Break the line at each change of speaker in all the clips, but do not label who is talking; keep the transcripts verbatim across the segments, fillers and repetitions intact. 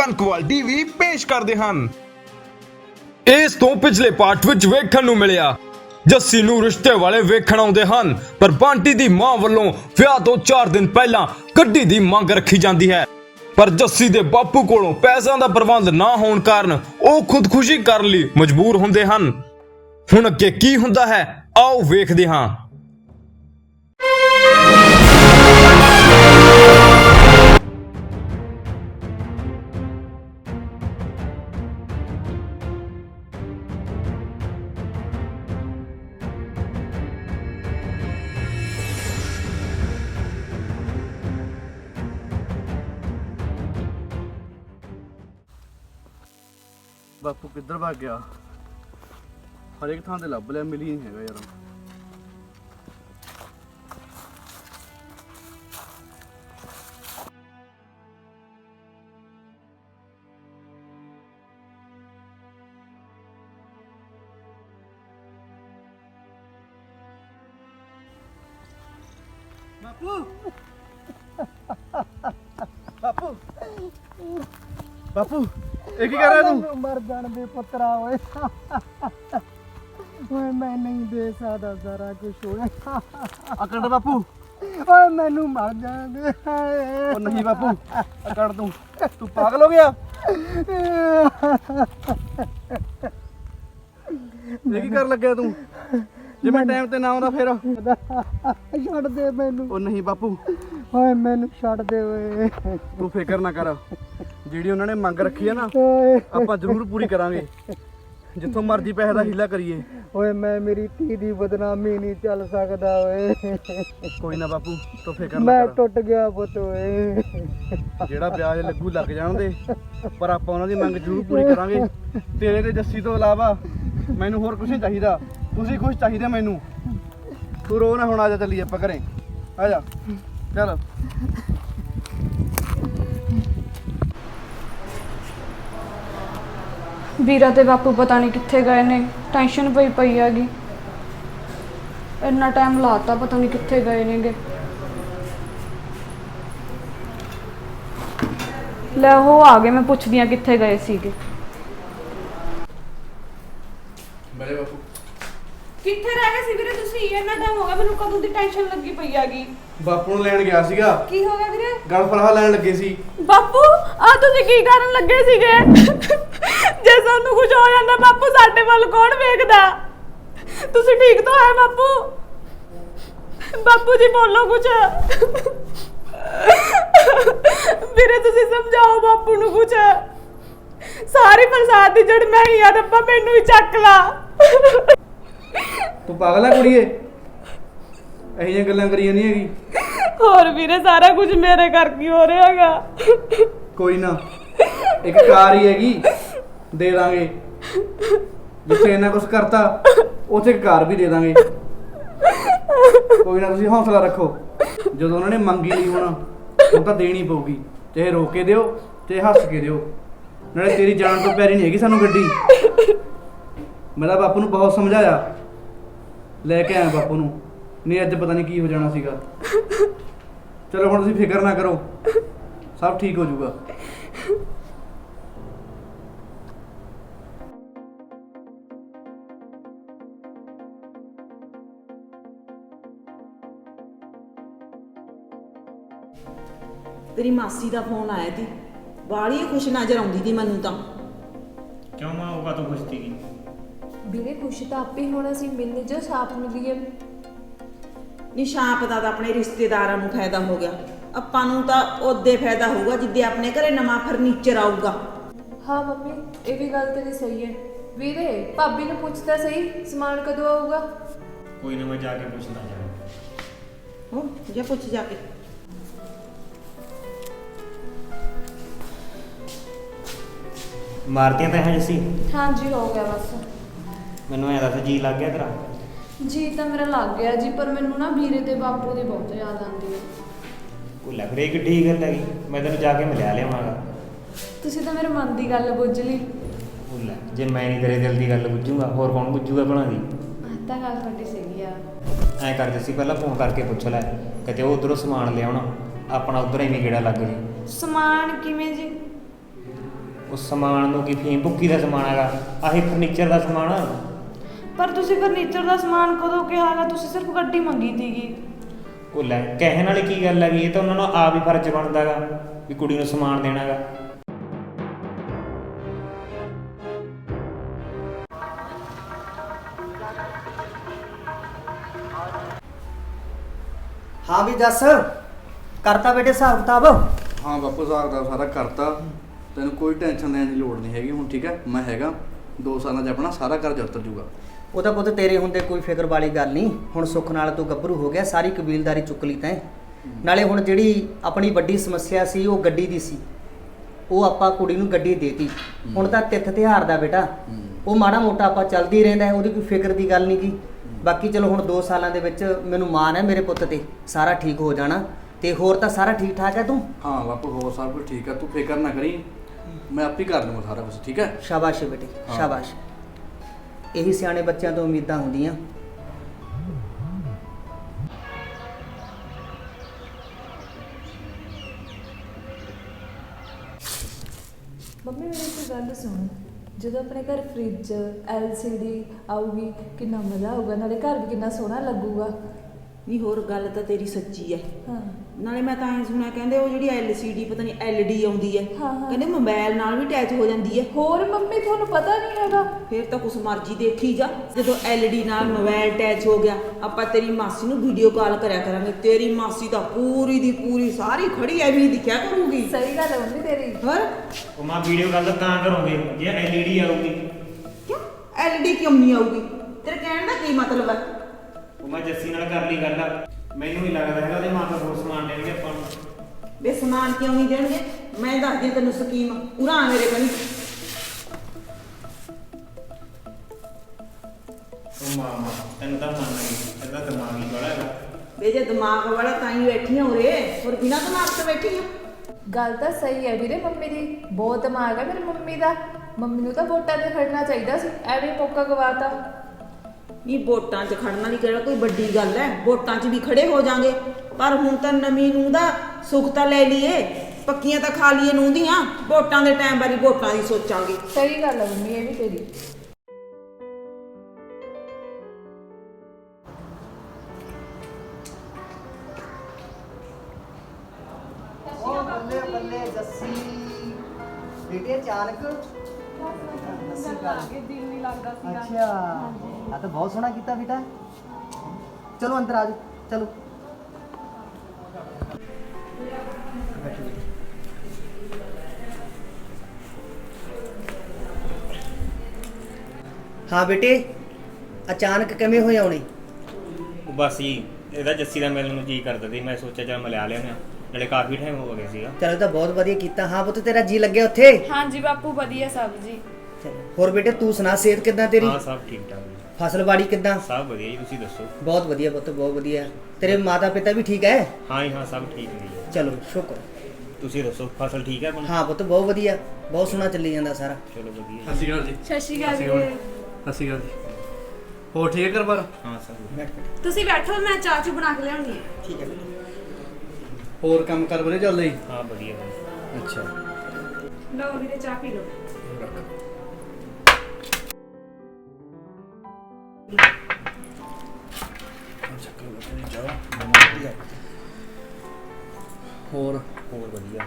ਕਨਕਵਾਲ TV ਪੇਸ਼ ਕਰਦੇ ਹਨ। ਇਸ ਤੋਂ ਪਿਛਲੇ ਪਾਰਟ ਵਿੱਚ ਵੇਖਣ ਨੂੰ ਮਿਲਿਆ ਜੱਸੀ ਨੂੰ ਰਿਸ਼ਤੇ ਵਾਲੇ ਵੇਖਣ ਆਉਂਦੇ ਹਨ, ਪਰ ਬੰਟੀ ਦੀ ਮਾਂ ਵੱਲੋਂ ਵਿਆਹ ਤੋਂ ਚਾਰ ਦਿਨ ਪਹਿਲਾਂ ਗੱਡੀ ਦੀ ਮੰਗ ਰੱਖੀ ਜਾਂਦੀ ਹੈ, ਪਰ ਜੱਸੀ ਦੇ ਬਾਪੂ ਕੋਲੋਂ ਪੈਸਿਆਂ ਦਾ ਪ੍ਰਬੰਧ ਨਾ ਹੋਣ ਕਾਰਨ ਉਹ ਖੁਦਕੁਸ਼ੀ ਕਰਨ ਲਈ ਮਜਬੂਰ ਹੁੰਦੇ ਹਨ। ਹੁਣ ਅੱਗੇ ਕੀ ਹੁੰਦਾ ਹੈ, ਆਓ ਵੇਖਦੇ ਹਾਂ।
ਬਾਪੂ ਕਿੱਧਰ ਭੱਜ ਗਿਆ? ਹਰੇਕ ਥਾਂ ਤੇ ਲੱਭ ਲਿਆ, ਮਿਲੀ ਨਹੀਂ ਹੈਗਾ ਯਾਰ। ਬਾਪੂ ਬਾਪੂ ਬਾਪੂ ਇਹ ਕੀ ਕਰ ਰਿਹਾ ਤੂੰ?
ਮਰ ਜਾਣ ਦੇ ਪੁੱਤਰਾ ਓਏ ਓਏ ਮੈਂ ਨਹੀਂ ਦੇ ਸਕਦਾ ਸਾਰਾ ਕੁਝ ਹੋਇਆ।
ਆ ਕੱਢ ਬਾਪੂ।
ਓਏ ਮੈਨੂੰ ਮਰ ਜਾਣ ਦੇ।
ਉਹ ਨਹੀਂ ਬਾਪੂ, ਆ ਕੱਢ ਤੂੰ। ਤੂੰ ਪਾਗਲ ਹੋ ਗਿਆ? ਇਹ ਕੀ ਕਰਨ ਲੱਗਿਆ ਤੂੰ? ਜੇ ਮੈਂ ਟਾਈਮ ਤੇ ਨਾ ਆਉਂਦਾ ਫਿਰ?
ਛੱਡ ਦੇ ਮੈਨੂੰ।
ਉਹ ਨਹੀਂ ਬਾਪੂ,
ਓਏ ਮੈਨੂੰ ਛੱਡ ਦੇ ਓਏ।
ਤੂੰ ਫਿਕਰ ਨਾ ਕਰ, ਜਿਹੜੀ ਉਹਨਾਂ ਨੇ ਮੰਗ ਰੱਖੀ ਹੈ ਨਾ
ਓਏ
ਆਪਾਂ ਜ਼ਰੂਰ ਪੂਰੀ ਕਰਾਂਗੇ। ਜਿੱਥੋਂ ਮਰਜ਼ੀ ਪੈਸੇ ਦਾ ਹੀਲਾ ਕਰੀਏ।
ਓਏ ਮੈਂ ਮੇਰੀ ਧੀ ਦੀ ਬਦਨਾਮੀ ਨਹੀਂ ਚੱਲ ਸਕਦਾ ਓਏ।
ਕੋਈ ਨਾ ਬਾਪੂ, ਤੂੰ ਫਿਕਰ ਨਾ
ਮੈਂ
ਕਰ।
ਟੁੱਟ ਗਿਆ ਪੁੱਤ ਓਏ।
ਜਿਹੜਾ ਵਿਆਜ ਲੱਗੂ ਲੱਗ ਜਾਣ ਦੇ, ਪਰ ਆਪਾਂ ਉਹਨਾਂ ਦੀ ਮੰਗ ਜ਼ਰੂਰ ਪੂਰੀ ਕਰਾਂਗੇ। ਤੇਰੇ ਤੇ ਜੱਸੀ ਤੋਂ ਇਲਾਵਾ ਮੈਨੂੰ ਹੋਰ ਕੁਝ ਨਹੀਂ ਚਾਹੀਦਾ। ਤੁਸੀਂ ਖੁਸ਼ ਚਾਹੀਦੇ ਮੈਨੂੰ। ਤੂੰ ਰੋ ਨਾ, ਹੁਣ ਆ ਜਾ, ਚੱਲੀਏ ਆਪਾਂ ਘਰੇ। ਆ ਜਾ ਚੱਲ।
ਵੀਰਾ ਤੇ ਬਾਪੂ ਪਤਾ ਨਹੀਂ ਕਿੱਥੇ ਗਏ ਨੇ, ਟੈਨਸ਼ਨ ਪਈ ਪਈ ਹੈਗੀ। ਇੰਨਾ ਟਾਈਮ ਲਾਤਾ, ਪਤਾ ਨਹੀਂ ਕਿੱਥੇ ਗਏ ਨੇਗੇ। ਲੈ ਉਹ ਆ ਗਏ, ਮੈਂ ਪੁੱਛਦੀ ਆ ਕਿੱਥੇ ਗਏ ਸੀਗੇ।
ਬੜੇ ਬਾਪੂ
ਕਿੱਥੇ ਰਹਿ ਗਏ ਸੀ ਵੀਰੇ ਤੁਸੀਂ? ਇੰਨਾ ਟਾਈਮ ਹੋ ਗਿਆ, ਮੈਨੂੰ ਕਦੋਂ ਦੀ ਟੈਨਸ਼ਨ ਲੱਗੀ ਪਈ ਹੈਗੀ।
ਬਾਪੂ ਨੂੰ ਲੈਣ ਗਿਆ ਸੀਗਾ।
ਕੀ ਹੋ ਗਿਆ ਵੀਰੇ?
ਗਲ ਫਲਹਾ ਲੈਣ ਲੱਗੇ ਸੀ।
ਬਾਪੂ ਆ ਤੁਸੀਂ ਕੀ ਕਰਨ ਲੱਗੇ ਸੀਗੇ? ਜੇ ਸਾਨੂੰ ਕੁਝ ਹੋ ਜਾਂਦਾ ਬਾਪੂ, ਸਾਡੇ ਵੱਲ ਕੌਣ ਵੇਖਦਾ? ਤੁਸੀਂ ਠੀਕ ਤਾਂ ਹੈ ਬਾਪੂ? ਬਾਪੂ ਜੀ ਬੋਲੋ ਕੁਝ। ਵੀਰੇ ਤੁਸੀਂ ਸਮਝਾਓ ਬਾਪੂ ਨੂੰ ਕੁਝ। ਸਾਰੀ ਫਸਾਦ ਦੀ ਜੜ ਮੈਂ ਹੀ ਆ, ਰੱਬਾ ਮੈਨੂੰ ਹੀ ਚੱਕ ਲਾ।
ਤੂੰ ਪਾਗਲ ਆ ਕੁੜੀਏ? ਇਹੋ ਜਿਹੀਆਂ ਗੱਲਾਂ ਕਰੀਆਂ ਨਹੀਂ ਹੈਗੀ।
ਹੋਰ ਵੀਰੇ ਸਾਰਾ ਕੁਝ ਮੇਰੇ ਕਰਕੇ ਹੋ ਰਿਹਾ ਹੈਗਾ।
ਕੋਈ ਨਾ, ਇੱਕ ਕਾਰ ਹੀ ਹੈਗੀ, ਦੇ ਦਾਂਗੇ। ਜਿੱਥੇ ਇਹਨਾਂ ਕੁਝ ਕਰਤਾ ਉੱਥੇ ਇੱਕ ਕਾਰ ਵੀ ਦੇ ਦਾਂਗੇ। ਕੋਈ ਨਾ, ਤੁਸੀਂ ਹੌਸਲਾ ਰੱਖੋ। ਜਦੋਂ ਉਹਨਾਂ ਨੇ ਮੰਗੀ ਲਈ ਹੁਣ ਉਹ ਤਾਂ ਦੇਣੀ ਪਊਗੀ, ਚਾਹੇ ਰੋ ਕੇ ਦਿਓ ਤੇ ਹੱਸ ਕੇ ਦਿਓ। ਨਾਲੇ ਤੇਰੀ ਜਾਨ ਤੋਂ ਪਿਆਰੀ ਨਹੀਂ ਹੈਗੀ ਸਾਨੂੰ ਗੱਡੀ। ਮੈਂ ਤਾਂ ਬਾਪੂ ਨੂੰ ਬਹੁਤ ਸਮਝਾਇਆ, ਲੈ ਕੇ ਆਇਆ ਬਾਪੂ ਨੂੰ, ਨਹੀਂ ਅੱਜ ਪਤਾ ਨਹੀਂ ਕੀ ਹੋ ਜਾਣਾ ਸੀਗਾ। ਚਲੋ ਹੁਣ ਤੁਸੀਂ ਫਿਕਰ ਨਾ ਕਰੋ, ਸਭ ਠੀਕ ਹੋ ਜਾਊਗਾ।
ਤੇਰੀ ਮਾਸੀ ਦਾ ਫੋਨ ਆਇਆ ਸੀ, ਬਾਹਲੀ ਖੁਸ਼ ਨਜ਼ਰ ਆਉਂਦੀ ਸੀ ਮੈਨੂੰ ਤਾਂ।
ਕਿਉਂ ਮਾਂ, ਉਹ ਕਾਹਤੋਂ ਖੁਸ਼ ਸੀਗੀ?
ਵੀਰੇ ਖੁਸ਼ ਤਾਂ ਆਪੇ ਹੋਣਾ ਸੀ, ਮਿਲਨੇ ਜੋ ਸਾਥ ਮਿਲੀਏ।
ਨਿਸ਼ਾਪ ਦਾ ਤਾਂ ਆਪਣੇ ਰਿਸ਼ਤੇਦਾਰਾਂ ਨੂੰ ਫਾਇਦਾ ਹੋ ਗਿਆ, ਆਪਾਂ ਨੂੰ ਤਾਂ ਉਹਦੇ ਫਾਇਦਾ ਹੋਊਗਾ ਜਿੱਦੇ ਆਪਣੇ ਘਰੇ ਨਵਾਂ ਫਰਨੀਚਰ ਆਊਗਾ।
ਹਾਂ ਮੰਮੀ, ਇਹ ਵੀ ਗੱਲ ਤੇਰੀ ਸਹੀ ਹੈ। ਵੀਰੇ ਭਾਬੀ ਨੂੰ ਪੁੱਛਦਾ ਸਹੀ, ਸਮਾਨ ਕਦੋਂ ਆਊਗਾ?
ਕੋਈ ਨਾ, ਮੈਂ ਜਾ ਕੇ ਪੁੱਛਦਾ ਜਾ।
ਹੋ ਜਾ, ਪੁੱਛ ਜਾ ਕੇ।
ਮਾਰਤੀਆਂ ਤਾਂ ਹੈ ਜੱਸੀ?
ਹਾਂਜੀ ਹੋ ਗਿਆ ਬਸ।
ਮੈਨੂੰ ਐਂ ਦੱਸ, ਜੀ ਲੱਗ ਗਿਆ ਤੇਰਾ?
ਜੀ ਤਾਂ ਮੇਰਾ ਲੱਗ ਗਿਆ ਜੀ, ਪਰ ਮੈਨੂੰ ਨਾ ਵੀਰੇ ਤੇ ਬਾਪੂ ਦੀ ਬਹੁਤ ਯਾਦ ਆਉਂਦੀ ਹੈ।
ਉਹ ਲੱਗ ਰਹੀ ਕਿੱਡੀ ਗੱਲ ਹੈਗੀ, ਮੈਂ ਤੈਨੂੰ ਜਾ ਕੇ ਮਿਲਿਆ ਲਿਆਵਾਂਗਾ।
ਤੁਸੀਂ ਤਾਂ ਮੇਰੇ ਮਨ ਦੀ ਗੱਲ ਬੁੱਝ ਲਈ।
ਉਹ ਲੈ, ਜੇ ਮੈਂ ਨਹੀਂ ਤੇਰੇ ਦਿਲ ਦੀ ਗੱਲ ਬੁੱਝੂਗਾ ਹੋਰ ਕੌਣ ਬੁੱਝੂਗਾ ਭਲਾ ਦੀ?
ਤਾਂ ਗੱਲ ਤੁਹਾਡੀ ਸਹੀ ਆ।
ਐਂ ਕਰ ਜੱਸੀ, ਪਹਿਲਾਂ ਫੋਨ ਕਰਕੇ ਪੁੱਛ ਲੈ, ਕਿਤੇ ਉਹ ਉੱਧਰੋਂ ਸਮਾਨ ਲਿਆਉਣਾ, ਆਪਣਾ ਉੱਧਰ ਐਵੇਂ ਗੇੜਾ ਲੱਗ ਜੇ।
ਸਮਾਨ ਕਿਵੇਂ ਜੀ?
ਉਹ ਸਮਾਨ ਨੂੰ ਕੀ ਫੀਮ ਭੁੱਕੀ ਦਾ ਸਮਾਨ ਹੈਗਾ, ਆਹੀ ਫਰਨੀਚਰ ਦਾ ਸਮਾਨ।
ਪਰ ਤੁਸੀਂ ਫਰਨੀਚਰ ਦਾ ਸਮਾਨ ਕਦੋਂ ਕਿਹਾ ਹੈਗਾ? ਤੁਸੀਂ ਸਿਰਫ ਗੱਡੀ ਮੰਗੀ ਸੀਗੀ।
ਉਹ ਲੈ ਕਹਿਣ ਵਾਲੀ ਕੀ ਗੱਲ ਹੈਗੀ, ਇਹ ਤਾਂ ਉਹਨਾਂ ਨੂੰ ਆਪ ਹੀ ਫਰਜ਼ ਬਣਦਾ ਗਾ ਵੀ ਕੁੜੀ ਨੂੰ ਸਮਾਨ ਦੇਣਾ ਗਾ।
ਹਾਂ ਵੀ ਦੱਸ, ਕਰਤਾ ਬੇਟੇ ਹਿਸਾਬ ਕਿਤਾਬ?
ਹਾਂ ਬਾਪੂ ਹਿਸਾਬ ਦਾ ਸਾਰਾ ਕਰਤਾ, ਤੈਨੂੰ ਕੋਈ ਟੈਨਸ਼ਨ ਲੈਣ ਦੀ ਲੋੜ ਨਹੀਂ ਹੈਗੀ ਹੁਣ, ਠੀਕ ਹੈ? ਮੈਂ ਹੈਗਾ, ਦੋ ਸਾਲਾਂ 'ਚ ਆਪਣਾ ਸਾਰਾ ਕਰਜ਼ਾ ਉਤਰ ਜੂਗਾ।
ਉਹ ਤਾਂ ਪੁੱਤ ਤੇਰੇ ਹੁੰਦੇ ਕੋਈ ਫਿਕਰ ਵਾਲੀ ਗੱਲ ਨਹੀਂ। ਹੁਣ ਸੁੱਖ ਨਾਲ ਤੂੰ ਗੱਭਰੂ ਹੋ ਗਿਆ, ਸਾਰੀ ਕਬੀਲਦਾਰੀ ਚੁੱਕ ਲਈ ਤੈਂ। ਨਾਲੇ ਹੁਣ ਜਿਹੜੀ ਆਪਣੀ ਵੱਡੀ ਸਮੱਸਿਆ ਸੀ ਉਹ ਗੱਡੀ ਦੀ ਸੀ, ਉਹ ਆਪਾਂ ਕੁੜੀ ਨੂੰ ਗੱਡੀ ਦੇਤੀ। ਹੁਣ ਤਾਂ ਤਿੱਥ ਤਿਉਹਾਰ ਦਾ ਬੇਟਾ, ਉਹ ਮਾੜਾ ਮੋਟਾ ਆਪਾਂ ਚੱਲਦੀ ਰਹਿੰਦਾ, ਉਹਦੀ ਕੋਈ ਫਿਕਰ ਦੀ ਗੱਲ ਨਹੀਂ ਗੀ। ਬਾਕੀ ਚਲੋ ਹੁਣ ਦੋ ਸਾਲਾਂ ਦੇ ਵਿੱਚ ਮੈਨੂੰ ਮਾਣ ਹੈ ਮੇਰੇ ਪੁੱਤ ਤੇ, ਸਾਰਾ ਠੀਕ ਹੋ ਜਾਣਾ। ਤੇ ਹੋਰ ਤਾਂ ਸਾਰਾ ਠੀਕ ਠਾਕ ਹੈ ਤੂੰ?
ਹਾਂ ਬਾਪੂ ਹੋਰ ਸਭ ਕੁਝ ਠੀਕ ਆ, ਤੂੰ ਫਿਕਰ ਨਾ ਕਰੀ, ਮੈਂ ਆਪੇ ਕਰ ਲੂੰਗਾ ਸਾਰਾ ਕੁਝ, ਠੀਕ ਹੈ?
ਸ਼ਾਬਾਸ਼ ਬੇਟੇ ਸ਼ਾਬਾਸ਼। ਇਹੀ ਸਿਆਣੇ ਬੱਚਿਆਂ ਤੋਂ ਉਮੀਦਾਂ ਹੁੰਦੀਆਂ।
ਮੰਮੀ ਮੇਰੀ ਇੱਕ ਗੱਲ ਸੁਣ, ਜਦੋਂ ਆਪਣੇ ਘਰ ਫ੍ਰਿਜ ਐਲ ਸੀ ਡੀ ਆਊਗੀ ਕਿੰਨਾ ਮਜ਼ਾ ਆਊਗਾ, ਨਾਲੇ ਘਰ ਵੀ ਕਿੰਨਾ ਸੋਹਣਾ ਲੱਗੂਗਾ।
ਨਹੀਂ ਹੋਰ ਗੱਲ ਤਾਂ ਤੇਰੀ ਸੱਚੀ ਹੈ।
ਹਾਂ
ਨਾਲੇ ਮੈਂ ਤਾਂ ਐਂ ਸੁਣਿਆ ਕਹਿੰਦੇ ਉਹ ਜਿਹੜੀ ਐਲ ਸੀ ਡੀ ਪਤਾ ਨਹੀਂ ਐਲ ਡੀ ਆਉਂਦੀ ਹੈ,
ਹਾਂ, ਹਾਂ।
ਕਹਿੰਦੇ ਮੋਬਾਈਲ ਨਾਲ ਵੀ ਅਟੈਚ ਹੋ ਜਾਂਦੀ ਹੈ।
ਹੋਰ ਮੰਮੀ ਤੁਹਾਨੂੰ ਪਤਾ ਨਹੀਂ ਹੈਗਾ?
ਫਿਰ ਤਾਂ ਕੁਛ ਮਰਜ਼ੀ ਦੇਖੀ ਜਾ, ਜਦੋਂ ਐਲ ਡੀ ਨਾਲ ਮੋਬਾਈਲ ਅਟੈਚ ਹੋ ਗਿਆ, ਆਪਾਂ ਤੇਰੀ ਮਾਸੀ ਨੂੰ ਵੀਡੀਓ ਕਾਲ ਕਰਿਆ ਕਰਾਂਗੇ, ਤੇਰੀ ਮਾਸੀ ਤਾਂ ਪੂਰੀ ਦੀ ਪੂਰੀ ਸਾਰੀ ਖੜੀ ਐਵੇਂ ਹੀ ਦਿਖਿਆ ਕਰੂਗੀ।
ਸਹੀ ਗੱਲ ਹੈ ਮੰਮੀ ਤੇਰੀ।
ਹੋਰ
ਉਹ ਮਾਂ ਵੀਡੀਓ ਗੱਲ ਤਾਂ ਕਰੋਗੇ ਜੇ ਐਲ ਈ ਡੀ ਆਊਗੀ।
ਕਿਉਂ ਐਲ ਡੀ ਕਿਉਂ ਨਹੀਂ ਆਊਗੀ? ਤੇਰੇ ਕਹਿਣ ਦਾ ਕੀ ਮਤਲਬ ਹੈ?
ਉਹ ਮੈਂ ਜੱਸੀ ਨਾਲ ਕਰ ਲਈ ਗੱਲ, ਮੈਨੂੰ ਨਹੀਂ ਲੱਗਦਾ ਹੈਗਾ ਉਹਦੇ ਮਾਂ ਪਿਓ ਹੋਰ ਸਮਾਨ ਦੇਣਗੇ ਆਪਾਂ ਨੂੰ।
ਵੇ ਸਮਾਨ ਕਿਉਂ ਨਹੀਂ ਦੇਣਗੇ? ਮੈਂ ਦੱਸਦੀ ਤੈਨੂੰ ਸਕੀਮ, ਪੂਰਾ ਆ ਮੇਰੇ ਕੋਲ।
ਉਹ ਮਾਂ ਮਾਂ ਤੈਨੂੰ ਤਾਂ ਮੰਨ ਗਈ, ਇਹਦਾ ਦਿਮਾਗ ਹੀ ਬੜਾ ਹੈਗਾ।
ਵੇ ਜੇ ਦਿਮਾਗ ਵਾਲਾ ਤਾਂ ਹੀ ਬੈਠੀ ਹੋ ਰੇ, ਹੋਰ ਬਿਨਾਂ ਦਿਮਾਗ ਤੋਂ ਬੈਠੀ ਆ?
ਗੱਲ ਤਾਂ ਸਹੀ ਹੈ ਵੀਰੇ, ਮੰਮੀ ਦੀ ਬਹੁਤ ਦਿਮਾਗ ਹੈ ਮੇਰੀ ਮੰਮੀ ਦਾ। ਮੰਮੀ ਨੂੰ ਤਾਂ ਵੋਟਾਂ 'ਤੇ ਖੜਨਾ ਚਾਹੀਦਾ ਸੀ, ਐਵੇਂ ਮੌਕਾ ਗਵਾਤਾ।
ਨਹੀਂ ਵੋਟਾਂ 'ਚ ਖੜਨ ਵਾਲੀ ਕਿਹੜਾ ਕੋਈ ਵੱਡੀ ਗੱਲ ਹੈ, ਵੋਟਾਂ 'ਚ ਵੀ ਖੜੇ ਹੋ ਜਾਾਂਗੇ, ਪਰ ਹੁਣ ਤਾਂ ਨਵੀਂ ਨੂੰ ਦਾ ਸੁੱਖ ਤਾਂ ਲੈ ਲਈਏ, ਪੱਕੀਆਂ ਤਾਂ ਖਾ ਲਈਏ ਨੂੰ ਦੀਆਂ, ਵੋਟਾਂ ਦੇ ਟਾਈਮ ਬਾਰੇ ਵੋਟਾਂ ਦੀ ਸੋਚਾਂਗੇ।
ਸਹੀ ਗੱਲ ਹੈ ਮੰਮੀ, ਇਹ ਵੀ ਤੇਰੀ।
ਉਹ ਬੱਲੇ ਬੱਲੇ ਜੱਸੀ ਬੇਟੇ ਅਚਾਨਕ
ਦਿਲ ਨਹੀਂ ਲੱਗਦਾ ਸੀਗਾ।
ਅੱਛਾ ਆ ਤਾਂ ਬਹੁਤ ਸੋਹਣਾ ਕੀਤਾ ਬੇਟਾ। ਚਲੋ ਅੰਦਰ ਆ ਜਾਓ, ਚਲੋ ਹਾਂ ਬੇਟੇ ਅਚਾਨਕ ਕਿਵੇਂ ਹੋਏ ਆਉਣੇ?
ਉਹ ਬਸ ਜੀ ਇਹਦਾ ਜੱਸੀ ਦਾ ਮਿਲਣ ਨੂੰ ਜੀ ਕਰਦਾ ਸੀ, ਮੈਂ ਸੋਚਿਆ ਚੱਲ ਮਿਲਾ ਲਿਆ, ਨਾਲੇ ਕਾਫੀ ਟਾਈਮ ਹੋ ਗਿਆ ਸੀਗਾ।
ਚਲੋ ਤਾਂ ਬਹੁਤ ਵਧੀਆ ਕੀਤਾ। ਹਾਂ ਪੁੱਤ ਤੇਰਾ ਜੀ ਲੱਗਿਆ ਉੱਥੇ?
ਹਾਂਜੀ ਬਾਪੂ ਵਧੀਆ ਸਭ ਜੀ।
ਚਲੋ ਹੋਰ ਬੇਟੇ ਤੂੰ ਸੁਣਾ, ਸਿਹਤ ਕਿੱਦਾਂ ਤੇਰੀ?
ਹਾਂ ਸਭ ਠੀਕ ਠਾਕ ਜੀ,
ਫਸਲਬਾੜੀ ਕਿੱਦਾਂ?
ਸਭ ਵਧੀਆ ਜੀ, ਤੁਸੀਂ ਦੱਸੋ?
ਬਹੁਤ ਵਧੀਆ ਪੁੱਤ ਬਹੁਤ ਵਧੀਆ। ਤੇਰੇ ਮਾਤਾ ਪਿਤਾ ਵੀ ਠੀਕ ਹੈ?
ਹਾਂ ਜੀ ਹਾਂ ਸਭ ਠੀਕ ਨੇ ਜੀ।
ਚਲੋ ਸ਼ੁਕਰ।
ਤੁਸੀਂ ਦੱਸੋ ਫਸਲ ਠੀਕ ਹੈ ਆਪਣੀ?
ਹਾਂ ਪੁੱਤ ਬਹੁਤ ਵਧੀਆ, ਬਹੁਤ ਸੋਹਣਾ ਚੱਲੀ ਜਾਂਦਾ ਸਾਰਾ।
ਚਲੋ ਵਧੀਆ।
ਸਤਿ ਸ਼੍ਰੀ ਅਕਾਲ ਜੀ।
ਸਤਿ ਸ਼੍ਰੀ ਅਕਾਲ ਵੀਰੇ।
ਸਤਿ ਸ਼੍ਰੀ ਅਕਾਲ ਜੀ। ਹੋਰ ਠੀਕ ਹੈ ਘਰ ਬਾਰ?
ਹਾਂ ਸਭ
ਬੈਠ ਬੈਠ।
ਤੁਸੀਂ ਬੈਠੋ, ਮੈਂ ਚਾਹ ਚੂ ਬਣਾ ਕੇ ਲਿਆਉਣੀ ਹੈ।
ਠੀਕ ਹੈ ਬੇਟੇ।
ਹੋਰ ਕੰਮ ਕਰ ਵਧੀਆ ਚੱਲਦਾ ਜੀ?
ਹਾਂ ਵਧੀਆ ਵਧੀਆ।
ਅੱਛਾ
ਲਓ ਵੀਰੇ ਚਾਹ ਪੀ ਲਓ।
ਹੋਰ
ਹੋਰ ਵਧੀਆ।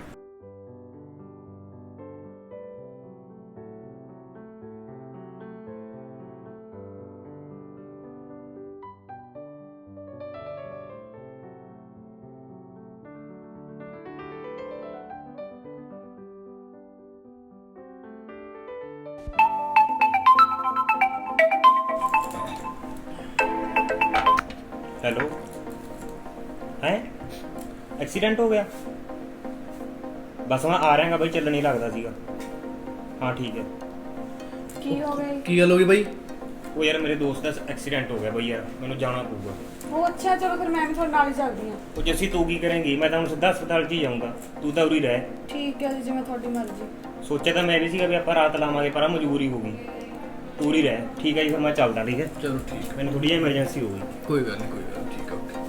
हेलो है एक्सीडेंट हो गया? बस मैं आ रहा भाई, चल नहीं लगता सीगा। हाँ ठीक है।
ਕੀ ਹੋ ਗਿਆ?
ਕੀ ਗੱਲ ਹੋ ਗਈ ਬਾਈ?
वो यार मेरे दोस्त का एक्सीडेंट हो गया भाई, यार मैंने जाना पड़ेगा।
ਉਹ ਅੱਛਾ ਚਲੋ ਫਿਰ ਮੈਂ ਵੀ ਤੁਹਾਡੇ ਨਾਲ ਹੀ ਚੱਲਦੀ ਹਾਂ।
वो जैसी तू की करेंगी, मैं तो सीधा अस्पताल च ही जाऊँगा, तू तो उरी रह।
ਠੀਕ ਹੈ ਜੀ, ਜਿਵੇਂ ਤੁਹਾਡੀ ਮਰਜ਼ੀ।
सोचा तो मैं भी सीगा भी आप रात लावांगे, पर मजबूरी होगी, तू उरी रह। ठीक है जी, फिर मैं चलता। ठीक है
ਚਲੋ ਠੀਕ,
मैंने थोड़ी एमरजेंसी हो गई।
ਕੋਈ ਗੱਲ ਨਹੀਂ ਕੋਈ ਗੱਲ ਨੀ, ਠੀਕ ਹੈ ਓਕੇ।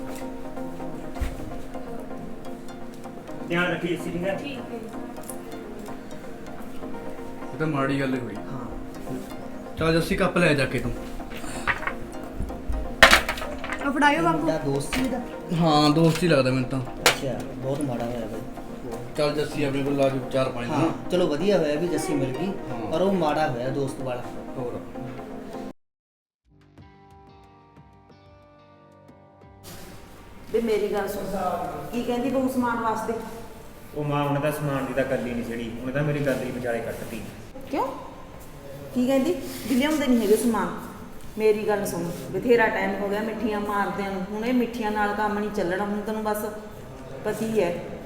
ध्यान रखिए इसी। ठीक है
ਠੀਕ ਹੈ ਜੀ।
ਇਹ ਤਾਂ ਮਾੜੀ ਗੱਲ ਹੋਈ।
ਹਾਂ
ਚੱਲ ਜੱਸੀ ਕੱਪ ਲੈ ਜਾ ਕੇ ਤੂੰ।
ਆ ਫੜਾਇਓ ਬਾਪੂ।
ਮੁੰਡਾ ਦੋਸਤ ਸੀ ਇਹਦਾ?
ਹਾਂ ਦੋਸਤ ਹੀ ਲੱਗਦਾ ਮੈਨੂੰ ਤਾਂ।
ਅੱਛਾ ਬਹੁਤ ਮਾੜਾ ਹੋਇਆ ਬਾਈ।
ਚੱਲ ਜੱਸੀ ਆਪਣੇ ਕੋਲ ਲਾ ਜੋ ਚਾਰ ਪਾਣੀ
ਹਾਂ ਚਲੋ ਵਧੀਆ ਹੋਇਆ ਵੀ ਜੱਸੀ ਮਿਲ ਗਈ,
ਹਾਂ।
ਪਰ ਉਹ ਮਾੜਾ ਹੋਇਆ ਦੋਸਤ ਵਾਲਾ।
ਹੋਰ
ਵੀ ਮੇਰੀ ਗੱਲ ਸੁਣ, ਕੀ ਕਹਿੰਦੀ ਬਹੂ ਸਮਾਨ ਵਾਸਤੇ?
ਉਹ ਮਾਂ ਉਹਨੇ ਤਾਂ ਸਮਾਨ ਦੀ ਤਾਂ ਗੱਲ ਹੀ ਨਹੀਂ ਛੜੀ, ਉਹਨੇ ਤਾਂ ਮੇਰੀ ਗੱਲ ਹੀ ਵਿਚਾਲੇ ਕੱਟਤੀ।
ਕਿਉਂ? ਕੀ ਕਹਿੰਦੀ? ਵੀ ਲਿਆਉਂਦੇ ਨਹੀਂ ਹੈਗੇ ਸਮਾਨ। ਮੇਰੀ ਗੱਲ ਸੁਣ, ਬਥੇਰਾ ਟਾਈਮ ਹੋ ਗਿਆ ਮਿੱਠੀਆਂ ਮਾਰਦਿਆਂ ਨੂੰ, ਹੁਣ ਇਹ ਮਿੱਠੀਆਂ ਨਾਲ ਕੰਮ ਨਹੀਂ ਚੱਲਣਾ, ਹੁਣ ਤੈਨੂੰ ਬਸ ਪਤੀ ਹੈ।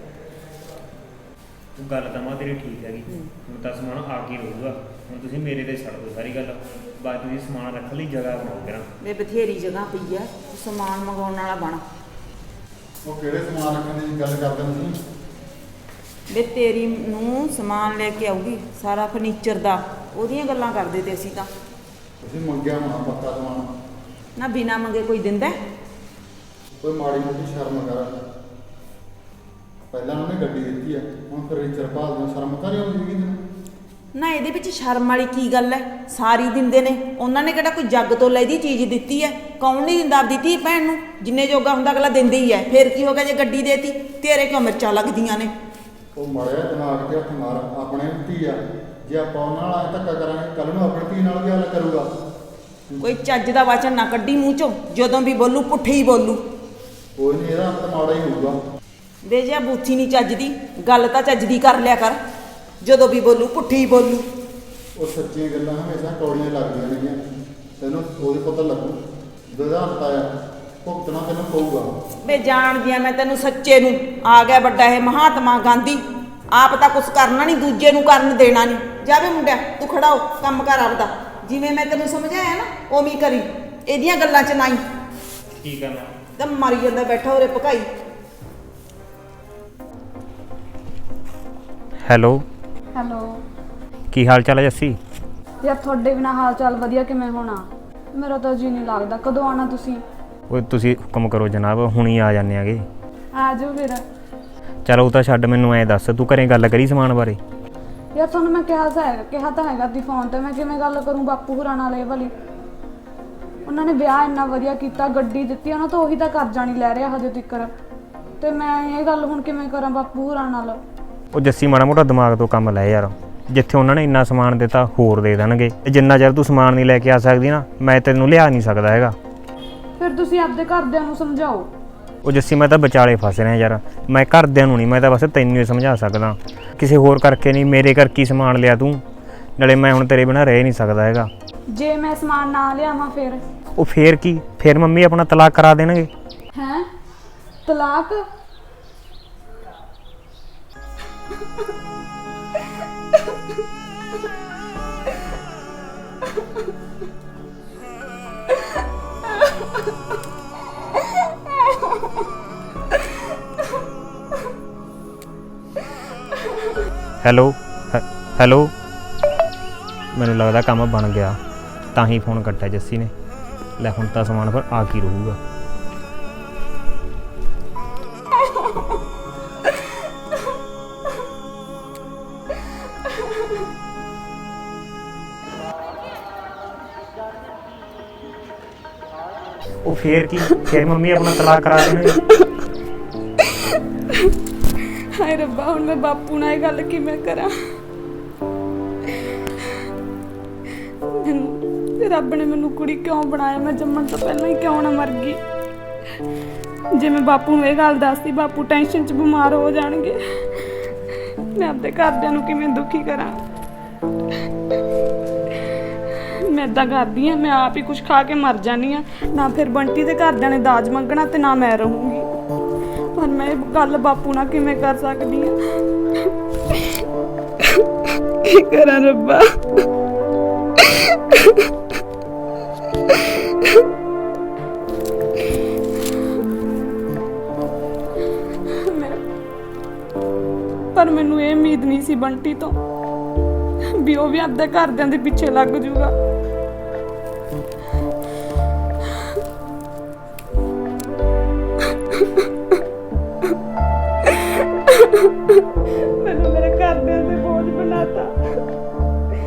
ਉਹ ਗੱਲ ਤਾਂ ਮਾਂ ਤੇਰੀ ਠੀਕ ਹੈਗੀ, ਹੁਣ ਤਾਂ ਸਮਾਨ ਆ ਕੇ ਰਹੂਗਾ। ਹੁਣ ਤੁਸੀਂ ਮੇਰੇ ਤੇ ਛੱਡ ਦਿਓ ਸਾਰੀ ਗੱਲ, ਬਾਅਦ ਤੁਸੀਂ ਸਮਾਨ ਰੱਖਣ ਲਈ ਜਗ੍ਹਾ ਬਣਾਓ ਕਰਾਂ।
ਵੇ ਬਥੇਰੀ ਜਗ੍ਹਾ ਪਈ ਹੈ, ਤੂੰ ਸਮਾਨ ਮੰਗਾਉਣ ਵਾਲਾ ਬਣ।
ਉਹ ਕਿਹੜੇ ਸਮਾਨ ਰੱਖਣ ਦੀ ਗੱਲ ਕਰਦੇ ਹੋ ਤੁਸੀਂ?
ਵੇ ਤੇਰੀ ਨੂੰ ਸਮਾਨ ਲੈ ਕੇ ਆਊਗੀ ਸਾਰਾ ਫਰਨੀਚਰ ਦਾ, ਉਹਦੀਆਂ ਗੱਲਾਂ ਕਰਦੇ ਤੇ ਅਸੀਂ ਤਾਂ।
ਤੁਸੀਂ ਮੰਗਿਆ ਹੋਣਾ ਪੱਕਾ ਸਮਾਨ,
ਨਾ ਬਿਨਾ ਮੰਗੇ ਕੋਈ ਦਿੰਦਾ ਹੈ?
ਕੋਈ ਮਾੜੀ ਮੋਟੀ ਸ਼ਰਮ ਕਰ। ਪਹਿਲਾਂ ਉਹਨੇ ਗੱਡੀ ਦਿੱਤੀ ਆ, ਹੁਣ ਫਰਨੀਚਰ ਭਾਲਦੇ ਹੋ, ਸ਼ਰਮ ਤਾਂ ਨਹੀਂ ਆਉਂਦੀ ਹੈਗੀ ਤੈਨੂੰ?
ਨਾ ਇਹਦੇ ਵਿੱਚ ਸ਼ਰਮ ਵਾਲੀ ਕੀ ਗੱਲ ਹੈ? ਸਾਰੀ ਦਿੰਦੇ ਨੇ, ਉਹਨਾਂ ਨੇ ਕਿਹੜਾ ਕੋਈ ਜੱਗ ਤੋਂ ਲੈਦੀ ਚੀਜ਼ ਦਿੱਤੀ ਹੈ? ਕੌਣ ਨਹੀਂ ਦਿੰਦਾ ਆਪਦੀ ਧੀ ਭੈਣ ਨੂੰ? ਜਿੰਨੇ ਜੋਗਾ ਹੁੰਦਾ ਅਗਲਾ ਦਿੰਦੇ ਹੀ ਹੈ। ਫੇਰ ਕੀ ਹੋ ਗਿਆ ਜੇ ਗੱਡੀ ਦੇਤੀ? ਤੇਰੇ ਕਿਉਂ ਮਿਰਚਾਂ ਲੱਗਦੀਆਂ ਨੇ?
ਉਹ ਮੜਿਆ ਦਿਮਾਗ ਤੇ ਹੱਥ ਮਾਰ, ਆਪਣੇ ਧੀ ਆ, ਜੇ ਆਪਾਂ ਉਹਨਾਂ ਨਾਲ ਐਂ ਧੱਕਾ ਕਰਾਂਗੇ ਕੱਲ ਨੂੰ ਆਪਣੀ ਧੀ ਨਾਲ ਵੀ ਹਾਲ ਕਰੂਗਾ।
ਕੋਈ ਚੱਜ ਦਾ ਵਚਨ ਨਾ ਕੱਢੀ ਮੂੰਹ ਚੋਂ, ਜਦੋਂ ਵੀ ਬੋਲੂ ਪੁੱਠੇ ਹੀ ਬੋਲੂ।
ਕੋਈ ਨਹੀਂ, ਇਹਦਾ ਅੰਤ ਮਾੜਾ ਹੀ ਹੋਊਗਾ।
ਦੇ ਜਿਆ ਬੂਥੀ ਨਹੀਂ ਚੱਜਦੀ, ਗੱਲ ਤਾਂ ਚੱਜਦੀ ਕਰ ਲਿਆ ਕਰ, ਜਦੋਂ ਵੀ ਬੋਲੂ ਪੁੱਠੀ ਹੀ ਬੋਲੂ।
ਉਹ ਸੱਚੀਆਂ ਗੱਲਾਂ ਹਮੇਸ਼ਾ ਕੌੜੀਆਂ ਲੱਗਦੀਆਂ ਨੇਗੀਆਂ, ਤੈਨੂੰ ਉਹਦੇ ਪਤਾ ਲੱਗੂ ਜਦੋਂ ਅੰਤ ਆਇਆ, ਭੁਗਤਣਾ ਤੈਨੂੰ ਪਊਗਾ।
ਵੇ ਜਾਣਦੀ ਆ ਮੈਂ ਤੈਨੂੰ ਸੱਚੇ ਨੂੰ, ਆ ਗਿਆ ਵੱਡਾ ਇਹ ਮਹਾਤਮਾ ਗਾਂਧੀ, ਆਪ ਤਾਂ ਕੁਛ ਕਰਨਾ ਨਹੀਂ, ਦੂਜੇ ਨੂੰ ਕਰਨ ਦੇਣਾ ਨਹੀਂ। ਜਾਵੇ ਮੁੰਡਿਆ ਤੂੰ ਖੜਾ ਹੋ, ਕੰਮ ਕਰ ਆਪਦਾ, ਜਿਵੇਂ ਮੈਂ ਤੈਨੂੰ ਸਮਝਾਇਆ ਨਾ ਉਵੇਂ ਹੀ ਕਰੀ, ਇਹਦੀਆਂ ਗੱਲਾਂ 'ਚ ਨਾ ਹੀ।
ਠੀਕ ਹੈ ਮਾਂ।
ਤਾਂ ਮਰੀ ਜਾਂਦਾ ਬੈਠਾ ਉਰੇ ਭਕਾਈ।
ਹੈਲੋ,
ਹੈਲੋ
ਕੀ ਹਾਲ ਚਾਲ ਹੈ ਜੱਸੀ?
ਯਾਰ ਤੁਹਾਡੇ ਬਿਨਾ ਹਾਲ ਚਾਲ ਵਧੀਆ ਕਿਵੇਂ ਹੋਣਾ? ਮੇਰਾ ਤਾਂ ਜੀ ਨਹੀਂ ਲੱਗਦਾ। ਕਦੋਂ ਆਣਾ ਤੁਸੀਂ?
ਉਹ ਤੁਸੀਂ ਹੁਕਮ ਕਰੋ ਜਨਾਬ, ਹੁਣੀ ਆ ਜਾਂਦੇ ਆਗੇ।
ਆ ਜਾਓ ਫਿਰ।
ਚਲ ਉਹ ਤਾਂ ਛੱਡ, ਮੈਨੂੰ ਐਂ ਦੱਸ ਤੂੰ ਘਰੇ ਗੱਲ ਕਰੀ ਸਮਾਨ ਬਾਰੇ?
ਯਾਰ ਤੁਹਾਨੂੰ ਮੈਂ ਕਿਹਾ ਤਾਂ ਹੈਗਾ ਕਿਹਾ ਤਾਂ ਹੈਗਾ ਦੀ ਫੋਨ ਤੇ, ਮੈਂ ਕਿਵੇਂ ਗੱਲ ਕਰੂੰ ਬਾਪੂ ਹੋਰਾਂ ਨਾਲ? ਇਹ ਵਾਲੀ ਉਹਨਾਂ ਨੇ ਵਿਆਹ ਇੰਨਾ ਵਧੀਆ ਕੀਤਾ, ਗੱਡੀ ਦਿੱਤੀ, ਉਹਨਾਂ ਤੋਂ ਉਹੀ ਤਾਂ ਕਰਜ਼ਾ ਨਹੀਂ ਲੈ ਰਿਹਾ ਹਜੇ ਤੱਕ, ਤੇ ਮੈਂ ਇਹ ਗੱਲ ਹੁਣ ਕਿਵੇਂ ਕਰਾਂ ਬਾਪੂ ਹੋਰਾਂ ਨਾਲ?
ਉਹ ਜੱਸੀ ਮਾੜਾ ਮੋਟਾ ਦਿਮਾਗ ਤੋਂ ਕੰਮ ਲੈ ਯਾਰ, ਜਿੱਥੇ ਉਹਨਾਂ ਨੇ ਇੰਨਾ ਸਮਾਨ ਦਿੱਤਾ ਹੋਰ ਦੇ ਦੇਣਗੇ। ਜਿੰਨਾ ਚਿਰ ਤੂੰ ਸਮਾਨ ਨਹੀਂ ਲੈ ਕੇ ਆ ਸਕਦੀ ਨਾ, ਮੈਂ ਤੈਨੂੰ ਲਿਆ ਨਹੀਂ ਸਕਦਾ ਹੈਗਾ।
ਫਿਰ ਤੁਸੀਂ ਆਪਦੇ ਘਰਦਿਆਂ ਨੂੰ ਸਮਝਾਓ।
ਉਹ ਜੱਸੀ ਮੈਂ ਤਾਂ ਵਿਚਾਲੇ ਫਸ ਰਿਹਾ ਯਾਰ, ਮੈਂ ਘਰਦਿਆਂ ਨੂੰ ਨਹੀਂ, ਮੈਂ ਤਾਂ ਬਸ ਤੈਨੂੰ ਹੀ ਸਮਝਾ ਸਕਦਾ, ਕਿਸੇ ਹੋਰ ਕਰਕੇ ਨਹੀਂ। ਮੇਰੇ ਕਰਕੇ ਹੀ ਸਮਾਨ ਲਿਆ ਤੂੰ, ਨਾਲੇ ਮੈਂ ਹੁਣ ਤੇਰੇ ਬਿਨਾਂ ਰਹਿ ਨਹੀਂ ਸਕਦਾ ਹੈਗਾ।
ਜੇ ਮੈਂ ਸਮਾਨ ਨਾ ਲਿਆਵਾਂ ਫਿਰ?
ਉਹ ਫੇਰ ਕੀ, ਫੇਰ ਮੰਮੀ ਆਪਣਾ ਤਲਾਕ ਕਰਾ ਦੇਣਗੇ।
ਹੈਂ? ਤਲਾਕ?
ਹੈਲੋ ਹੈ- ਹੈਲੋ, ਮੈਨੂੰ ਲੱਗਦਾ ਕੰਮ ਬਣ ਗਿਆ, ਤਾਂ ਹੀ ਫੋਨ ਕੱਟਿਆ ਜੱਸੀ ਨੇ। ਲੈ ਹੁਣ ਤਾਂ ਸਮਾਨ ਫਿਰ ਆ ਕੀ ਰਹੂਗਾ। ਉਹ ਫੇਰ ਕੀ, ਫੇਰ ਮੰਮੀ ਆਪਣਾ ਤਲਾਕ ਕਰਾ ਦੇਣਗੇ।
ਹਾਏ ਰੱਬਾ, ਹੁਣ ਮੈਂ ਬਾਪੂ ਨਾਲ ਇਹ ਗੱਲ ਕਿਵੇਂ ਕਰਾਂ? ਮੈਨੂੰ ਰੱਬ ਨੇ ਮੈਨੂੰ ਕੁੜੀ ਕਿਉਂ ਬਣਾਇਆ? ਮੈਂ ਜੰਮਣ ਤੋਂ ਪਹਿਲਾਂ ਹੀ ਕਿਉਂ ਨਾ ਮਰ ਗਈ? ਜੇ ਮੈਂ ਬਾਪੂ ਨੂੰ ਇਹ ਗੱਲ ਦੱਸਦੀ, ਬਾਪੂ ਟੈਨਸ਼ਨ 'ਚ ਬਿਮਾਰ ਹੋ ਜਾਣਗੇ। ਮੈਂ ਆਪਣੇ ਘਰਦਿਆਂ ਨੂੰ ਕਿਵੇਂ ਦੁਖੀ ਕਰਾਂ? ਮੈਂ ਏਦਾਂ ਕਰਦੀ ਹਾਂ, ਮੈਂ ਆਪ ਹੀ ਕੁਝ ਖਾ ਕੇ ਮਰ ਜਾਨੀ ਆ। ਨਾ ਫਿਰ ਬੰਟੀ ਦੇ ਘਰਦਿਆਂ ਨੇ ਦਾਜ ਮੰਗਣਾ ਤੇ ਨਾ ਮੈਂ ਰਹੂੰਗੀ। ਪਰ ਮੈਂ ਇਹ ਗੱਲ ਬਾਪੂ ਨਾਲ ਕਿਵੇਂ ਕਰ ਸਕਦੀ ਹਾਂ? ਕੀ ਕਰਾਂ ਰੱਬਾ? ਪਰ ਮੈਨੂੰ ਇਹ ਉਮੀਦ ਨਹੀਂ ਸੀ ਬੰਟੀ ਤੋਂ ਵੀ ਉਹ ਵੀ ਆਪਣੇ ਘਰਦਿਆਂ ਦੇ ਪਿੱਛੇ ਲੱਗ ਜੂਗਾ। ਮੈਨੂੰ ਮੇਰੇ ਘਰਦਿਆਂ ਤੇ ਬੋਝ ਬਣਾਤਾ।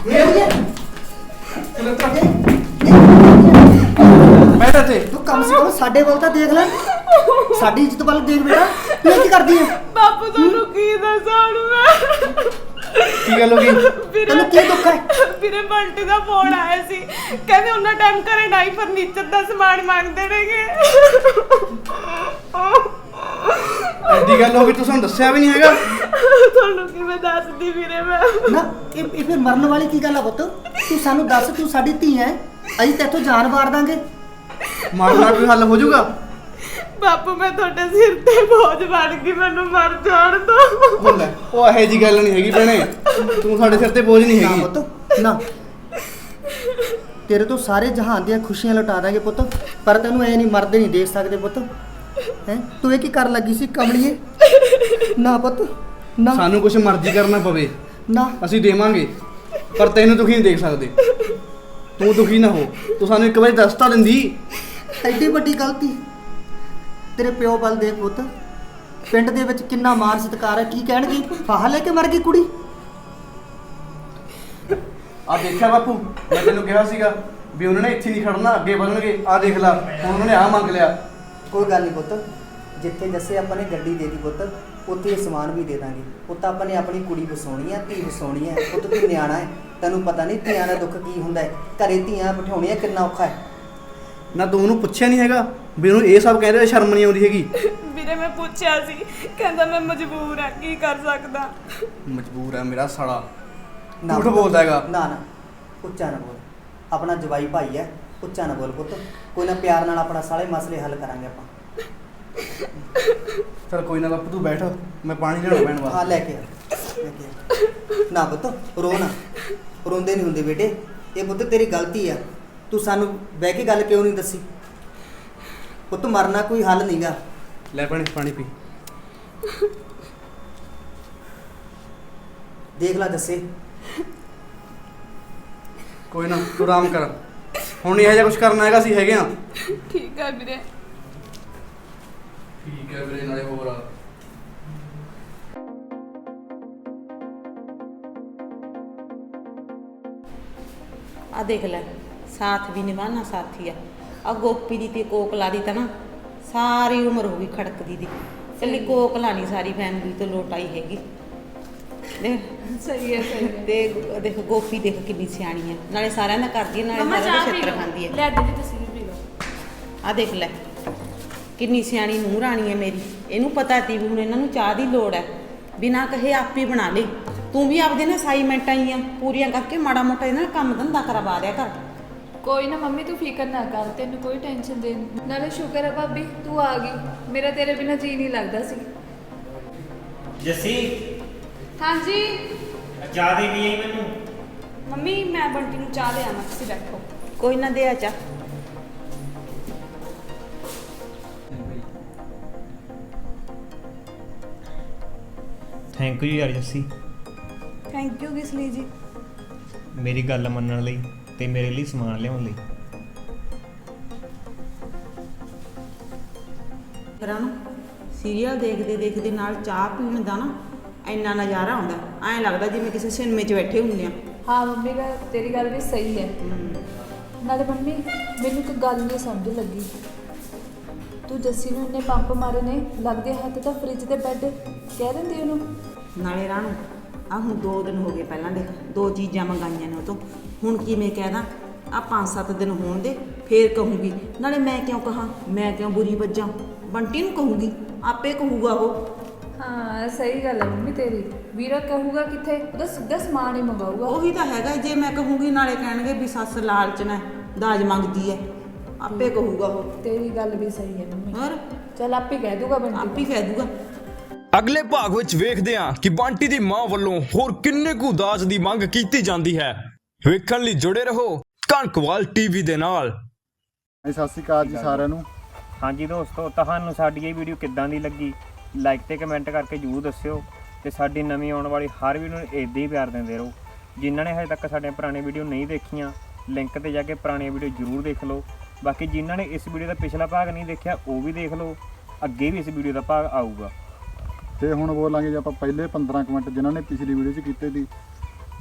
ਬੈਠ ਇੱਥੇ।
ਤੂੰ ਕਮ ਸੇ ਕਮ ਸਾਡੇ ਵੱਲ ਤਾਂ ਦੇਖ ਲੈ, ਸਾਡੀ ਇੱਜ਼ਤ ਵੱਲ ਦੇਖ ਬੇਟਾ। ਤੂੰ ਇਹ ਕੀ ਕਰਦੀ ਹੈ?
ਬਾਪੂ ਤੁਹਾਨੂੰ ਕੀ ਦੱਸਾਂ ਹੁਣ ਮੈਂ?
ਕੀ ਗੱਲ ਹੋ ਗਈ?
ਤੈਨੂੰ ਕੀ ਦੁੱਖ ਹੈ?
ਵੀਰੇ ਬੰਟੀ ਦਾ ਫੋਨ ਆਇਆ ਸੀ, ਕਹਿੰਦੇ ਉਹਨਾਂ ਟਾਈਮ ਘਰੇ ਨਾਈ ਫਰਨੀਚਰ ਦਾ ਸਮਾਨ ਮੰਗਦੇ ਨੇਗੇ।
ਐਡੀ ਗੱਲ ਹੋ ਗਈ, ਤੂੰ ਸਾਨੂੰ ਦੱਸਿਆ ਵੀ ਨਹੀਂ ਹੈਗਾ।
ਤੁਹਾਨੂੰ ਕਿਵੇਂ ਦੱਸਦੀ ਵੀਰੇ ਮੈਂ?
ਨਾ ਇਹ ਇਹ ਫਿਰ ਮਰਨ ਵਾਲੀ ਕੀ ਗੱਲ ਆ ਪੁੱਤ? ਤੂੰ ਸਾਨੂੰ ਦੱਸ, ਤੂੰ ਸਾਡੀ ਧੀ ਹੈ, ਅਸੀਂ ਤੇਥੋਂ ਜਾਨ ਵਾਰ ਦਾਂਗੇ।
ਮਾਰ ਨਾਲ ਕੋਈ ਹੱਲ ਹੋ ਜਾਊਗਾ?
ਬਾਪੂ ਮੈਂ ਤੁਹਾਡੇ ਸਿਰ ਤੇ ਬੋਝ ਬਣ ਗਈ, ਮੈਨੂੰ ਮਰ ਜਾਣ ਦੋ।
ਉਹ ਲੈ, ਉਹ ਇਹੋ ਜੀ ਗੱਲ ਨਹੀਂ ਹੈਗੀ ਭੈਣੇ, ਤੂੰ ਸਾਡੇ ਸਿਰ ਤੇ ਬੋਝ ਨਹੀਂ
ਨਾ
ਹੈਗੀ।
ਪੁੱਤ ਨਾ, ਤੇਰੇ ਤੋਂ ਸਾਰੇ ਜਹਾਨ ਦੀਆਂ ਖੁਸ਼ੀਆਂ ਲੁਟਾ ਦਾਂਗੇ ਪੁੱਤ, ਪਰ ਤੈਨੂੰ ਐ ਨਹੀਂ ਮਰਦੇ ਨਹੀਂ ਦੇਖ ਸਕਦੇ ਪੁੱਤ। ਹੈ ਤੂੰ ਇਹ ਕੀ ਕਰਨ ਲੱਗੀ ਸੀ ਕਮਲੀਏ? ਨਾ ਪੁੱਤ ਨਾ,
ਸਾਨੂੰ ਕੁਝ ਮਰਜ਼ੀ ਕਰਨਾ ਪਵੇ
ਨਾ
ਅਸੀਂ ਦੇਵਾਂਗੇ, ਪਰ ਤੈਨੂੰ ਦੁਖੀ ਨਹੀਂ ਦੇਖ ਸਕਦੇ। ਤੂੰ ਦੁਖੀ ਨਾ ਹੋ, ਤੂੰ ਸਾਨੂੰ ਇੱਕ ਵਾਰੀ ਦੱਸ ਤਾਂ ਦਿੰਦੀ।
ਐਡੀ ਵੱਡੀ ਗਲਤੀ ਤੇਰੇ ਪਿਓ ਵੱਲ ਦੇਖ ਪੁੱਤ, ਪਿੰਡ ਦੇ ਵਿੱਚ ਕਿੰਨਾ ਮਾਣ ਸਤਿਕਾਰ ਹੈ, ਕੀ ਕਹਿਣਗੇ? ਫਾਹਾ ਲੈ ਕੇ ਮਰ ਗਈ ਕੁੜੀ।
ਆ ਦੇਖਿਆ ਬਾਪੂ, ਮੈਂ ਤੈਨੂੰ ਕਿਹਾ ਸੀਗਾ ਵੀ ਉਹਨਾਂ ਨੇ ਇੱਥੇ ਨਹੀਂ ਖੜਨਾ, ਅੱਗੇ ਵਧਣਗੇ। ਆ ਦੇਖ ਲੈ, ਹੁਣ ਉਹਨਾਂ ਨੇ ਆ ਮੰਗ ਲਿਆ।
ਕੋਈ ਗੱਲ ਨਹੀਂ ਪੁੱਤ, ਜਿੱਥੇ ਜੱਸੇ ਆਪਾਂ ਨੇ ਗੱਡੀ ਦੇ ਦੀ ਪੁੱਤ, ਉੱਥੇ ਇਹ ਸਮਾਨ ਵੀ ਦੇ ਦਾਂਗੇ। ਪੁੱਤ ਆਪਾਂ ਨੇ ਆਪਣੀ ਕੁੜੀ ਵਸਾਉਣੀ ਹੈ, ਧੀ ਵਸਾਉਣੀ ਹੈ ਪੁੱਤ। ਤੂੰ ਨਿਆਣਾ ਹੈ, ਤੈਨੂੰ ਪਤਾ ਨਹੀਂ ਧੀਆਂ ਦਾ ਦੁੱਖ ਕੀ ਹੁੰਦਾ ਹੈ। ਘਰੇ ਧੀਆਂ ਬਿਠਾਉਣੀਆਂ ਕਿੰਨਾ ਔਖਾ ਹੈ।
ਨਾ ਤੂੰ ਉਹਨੂੰ ਪੁੱਛਿਆ ਨਹੀਂ ਹੈਗਾ ਵੀ ਉਹਨੂੰ ਇਹ ਸਭ ਕਹਿ ਰਿਹਾ, ਸ਼ਰਮ ਨਹੀਂ ਆਉਂਦੀ ਹੈਗੀ?
ਵੀਰੇ ਮੈਂ ਪੁੱਛਿਆ ਸੀ, ਕਹਿੰਦਾ ਮੈਂ ਮਜਬੂਰ ਆ, ਕੀ ਕਰ ਸਕਦਾ।
ਮਜਬੂਰ ਹੈ ਮੇਰਾ ਸਾਲਾ,
ਨਾ
ਝੂਠ
ਪੁੱਤ,
ਬੋਲਦਾ ਹੈਗਾ।
ਨਾ ਨਾ ਉੱਚਾ ਨਾ ਬੋਲ, ਆਪਣਾ ਜਵਾਈ ਭਾਈ ਹੈ, ਉੱਚਾ ਨਾ ਬੋਲ ਪੁੱਤ। ਕੋਈ ਨਾ, ਪਿਆਰ ਨਾਲ ਆਪਣਾ ਸਾਰੇ ਮਸਲੇ ਹੱਲ ਕਰਾਂਗੇ ਆਪਾਂ।
ਚਲ ਕੋਈ ਨਾ ਬਾਪੂ, ਤੂੰ ਬੈਠ, ਮੈਂ ਪਾਣੀ ਲਿਆਉਣਾ ਪੈਣ
ਹਾਂ
ਵਾਸਤੇ।
ਲੈ ਕੇ ਆ, ਲੈ ਕੇ ਆ। ਨਾ ਪੁੱਤ ਰੋ ਨਾ, ਰੋਂਦੇ ਨਹੀਂ ਹੁੰਦੇ ਬੇਟੇ, ਇਹ ਪੁੱਤ ਤੇਰੀ ਗਲਤੀ ਆ। ਤੂੰ ਸਾਨੂੰ ਬਹਿ ਕੇ ਗੱਲ ਕਿਉਂ ਨਹੀਂ ਦੱਸੀ? ਪੁੱਤ ਮਰਨਾ ਕੋਈ ਹੱਲ ਨਹੀਂਗਾ।
ਲੈ ਪਾਣੀ ਪਾਣੀ ਪੀ।
ਦੇਖ ਲੈ ਦੱਸੇ,
ਕੋਈ ਨਾ, ਤੂੰ ਆਰਾਮ ਕਰ, ਹੁਣ ਨਹੀਂ ਇਹੋ ਜਿਹਾ ਕੁਝ ਕਰਨਾ ਹੈਗਾ, ਅਸੀਂ ਹੈਗੇ ਆ।
ਠੀਕ ਹੈ ਵੀਰੇ।
ਠੀਕ ਹੈ ਵੀਰੇ, ਨਾਲੇ ਹੋਰ ਆ।
ਆ ਦੇਖ ਲੈ, ਸਾਥ ਵੀ ਨਿਭਾਣਾ ਸਾਥੀ ਆ। ਆ ਗੋਪੀ ਦੀ ਤੇ ਕੋਕਲਾ ਦੀ ਤਾਂ ਨਾ ਸਾਰੀ ਉਮਰ ਹੋ ਗਈ ਖੜਕਦੀ ਦੀ, ਇਕੱਲੀ ਕੋਕਲਾ ਨਹੀਂ ਸਾਰੀ ਫੈਮਿਲੀ ਤੋਂ ਲੋਟ ਆਈ ਹੈਗੀ। ਦੇਖ
ਸਹੀ ਹੈ ਸਹੀ ਹੈ।
ਤੇ ਦੇਖ ਗੋਪੀ ਦੇਖ ਕਿੰਨੀ ਸਿਆਣੀ ਹੈ, ਨਾਲੇ ਸਾਰਿਆਂ ਦਾ ਕਰਦੀ ਹੈ, ਨਾਲੇ ਸਾਰਿਆਂ ਦਾ ਛਿੱਤਰ ਖਾਂਦੀ ਹੈ।
ਲੈ ਦੀਦੀ ਤੁਸੀਂ ਵੀ ਪੀ ਲਓ।
ਆ ਦੇਖ ਲੈ ਕਿੰਨੀ ਸਿਆਣੀ ਨੂੰਹ ਰਾਣੀ ਹੈ ਮੇਰੀ। ਇਹਨੂੰ ਪਤਾ ਤੀ ਵੀ ਹੁਣ ਇਹਨਾਂ ਨੂੰ ਚਾਹ ਦੀ ਲੋੜ ਹੈ, ਬਿਨਾਂ ਕਹੇ ਆਪੇ ਬਣਾ ਲਈ। ਤੂੰ ਵੀ ਆਪਦੇ ਨਾ ਅਸਾਈਨਮੈਂਟਾਂ ਆਈਆਂ ਪੂਰੀਆਂ ਕਰਕੇ ਮਾੜਾ ਮੋਟਾ ਇਹਨਾਂ ਨਾਲ ਕੰਮ ਧੰਦਾ ਕਰਵਾ ਦਿਆ ਕਰ।
ਕੋਈ ਨਾ ਮੰਮੀ ਤੂੰ ਫਿਕਰ ਨਾ ਕਰ, ਤੈਨੂੰ ਕੋਈ ਟੈਨਸ਼ਨ ਦੇ। ਨਾਲੇ ਸ਼ੁਕਰ ਹੈ ਭਾਬੀ ਤੂੰ ਆ ਗਈ, ਮੇਰਾ ਤੇਰੇ ਬਿਨਾਂ ਜੀ ਨਹੀਂ ਲੱਗਦਾ ਸੀ।
ਜੱਸੀ
ਹਾਂਜੀ
ਚਾਹ ਦੇ ਵੀ ਆਈ ਮੈਨੂੰ।
ਮੰਮੀ, ਮੈਂ ਬੰਟੀ ਨੂੰ ਚਾਹ ਲਿਆ, ਮੈਂ ਤੁਸੀਂ ਬੈਠੋ।
ਕੋਈ ਨਾ ਦੇ ਆ ਚਾਹ।
ਥੈਂਕ ਯੂ ਯਾਰ ਜੱਸੀ,
ਥੈਂਕ ਯੂ ਕਿਸ ਲਈ ਜੀ?
ਮੇਰੀ ਗੱਲ ਮੰਨਣ ਲਈ ਤੇ ਮੇਰੇ ਲਈ ਸਮਾਨ ਲਿਆਉਣ ਲਈ।
ਕਰਾਂ ਸੀਰੀਅਲ ਦੇਖਦੇ ਦੇਖਦੇ ਨਾਲ ਚਾਹ ਪੀਣ ਦਾ ਨਾ ਇੰਨਾ ਨਜ਼ਾਰਾ ਆਉਂਦਾ, ਐਂ ਲੱਗਦਾ ਜਿਵੇਂ ਕਿਸੇ ਸਿਨੇਮੇ 'ਚ ਬੈਠੇ ਹੁੰਦੇ ਆ।
ਹਾਂ ਮੰਮੀ ਦਾ ਤੇਰੀ ਗੱਲ ਵੀ ਸਹੀ ਹੈ। ਨਾਲੇ ਮੰਮੀ ਮੈਨੂੰ ਇੱਕ ਗੱਲ ਨਹੀਂ ਸਮਝ ਲੱਗੀ, ਤੂੰ ਜੱਸੀ ਨੂੰ ਇੰਨੇ ਪੰਪ ਮਾਰੇ ਨੇ, ਲੱਗਦੇ ਹੱਥ ਤਾਂ ਫ੍ਰਿਜ ਤੇ ਬੈੱਡ ਕਹਿ ਦਿੰਦੀ ਉਹਨੂੰ।
ਨਾਲੇ ਰਾਣੂ ਆ ਹੁਣ ਦੋ ਦਿਨ ਹੋ ਗਏ, ਪਹਿਲਾਂ ਦੇਖ ਦੋ ਚੀਜ਼ਾਂ ਮੰਗਾਈਆਂ ਨੇ ਉਹ ਤੋਂ, ਹੁਣ ਕਿਵੇਂ ਕਹਿਦਾ? ਆ ਪੰਜ ਸੱਤ ਦਿਨ ਹੋਣ ਦੇ ਫੇਰ ਕਹੂੰਗੀ। ਨਾਲੇ ਮੈਂ ਕਿਉਂ ਕਹਾਂ, ਮੈਂ ਕਿਉਂ ਬੁਰੀ ਵੱਜਾਂ? ਬੰਟੀ ਨੂੰ ਕਹੂੰਗੀ, ਆਪੇ ਕਹੂਗਾ ਉਹ।
ਹਾਂ ਸਹੀ ਗੱਲ ਹੈ ਮੰਮੀ ਤੇਰੀ, ਵੀਰਾ ਕਹੂਗਾ ਕਿੱਥੇ, ਉਹਦਾ ਸਿੱਧਾ ਸਮਾਨ ਹੀ ਮੰਗਾਊਗਾ।
ਉਹੀ ਤਾਂ ਹੈਗਾ, ਜੇ ਮੈਂ ਕਹੂੰਗੀ ਨਾਲੇ ਕਹਿਣਗੇ ਵੀ ਸੱਸ ਲਾਲਚ ਨਾਲ ਦਾਜ ਮੰਗਦੀ ਹੈ, ਆਪੇ ਕਹੂਗਾ ਉਹ।
ਤੇਰੀ ਗੱਲ ਵੀ ਸਹੀ ਹੈ ਮੰਮੀ,
ਹੋਰ
ਚੱਲ ਆਪੇ ਕਹਿ ਦੂਗਾ ਬੰਟੀ,
ਆਪੇ ਹੀ ਕਹਿ ਦੂਗਾ।
ਅਗਲੇ ਭਾਗ ਵਿੱਚ ਵੇਖਦੇ ਹਾਂ ਕਿ ਬੰਟੀ ਦੀ ਮਾਂ ਵੱਲੋਂ ਹੋਰ ਕਿੰਨੇ ਕੁ ਦਾਜ ਦੀ ਮੰਗ ਕੀਤੀ ਜਾਂਦੀ ਹੈ। ਵੇਖਣ ਲਈ ਜੁੜੇ ਰਹੋ ਕਣਕਵਾਲ ਟੀਵੀ ਦੇ ਨਾਲ।
ਸਤਿ ਸ਼੍ਰੀ ਅਕਾਲ ਜੀ ਸਾਰਿਆਂ ਨੂੰ।
ਹਾਂਜੀ ਦੋਸਤੋ, ਤੁਹਾਨੂੰ ਸਾਡੀ ਇਹ ਵੀਡੀਓ ਕਿੱਦਾਂ ਦੀ ਲੱਗੀ ਲਾਈਕ ਤੇ ਕਮੈਂਟ ਕਰਕੇ ਜ਼ਰੂਰ ਦੱਸਿਓ, ਤੇ ਸਾਡੀ ਨਵੀਂ ਆਉਣ ਵਾਲੀ ਹਰ ਵੀਡੀਓ ਨੂੰ ਇੱਦਾਂ ਹੀ ਪਿਆਰ ਦਿੰਦੇ ਰਹੋ। ਜਿਨ੍ਹਾਂ ਨੇ ਹਜੇ ਤੱਕ ਸਾਡੀਆਂ ਪੁਰਾਣੀ ਵੀਡੀਓ ਨਹੀਂ ਦੇਖੀਆਂ, ਲਿੰਕ ਤੇ ਜਾ ਕੇ ਪੁਰਾਣੀਆਂ ਵੀਡੀਓ ਜ਼ਰੂਰ ਦੇਖ ਲਓ। ਬਾਕੀ ਜਿਨ੍ਹਾਂ ਨੇ ਇਸ ਵੀਡੀਓ ਦਾ ਪਿਛਲਾ ਭਾਗ ਨਹੀਂ ਦੇਖਿਆ ਉਹ ਵੀ ਦੇਖ ਲਓ, ਅੱਗੇ ਵੀ ਇਸ ਵੀਡੀਓ ਦਾ ਭਾਗ ਆਊਗਾ।
ਤੇ ਹੁਣ ਬੋਲਾਂਗੇ ਜੇ ਆਪਾਂ ਪਹਿਲੇ ਪੰਦਰਾਂ ਕੁ ਮਿੰਟ ਜਿਨ੍ਹਾਂ ਨੇ ਪਿਛਲੀ ਵੀਡੀਓ 'ਚ ਕੀਤੇ ਸੀ,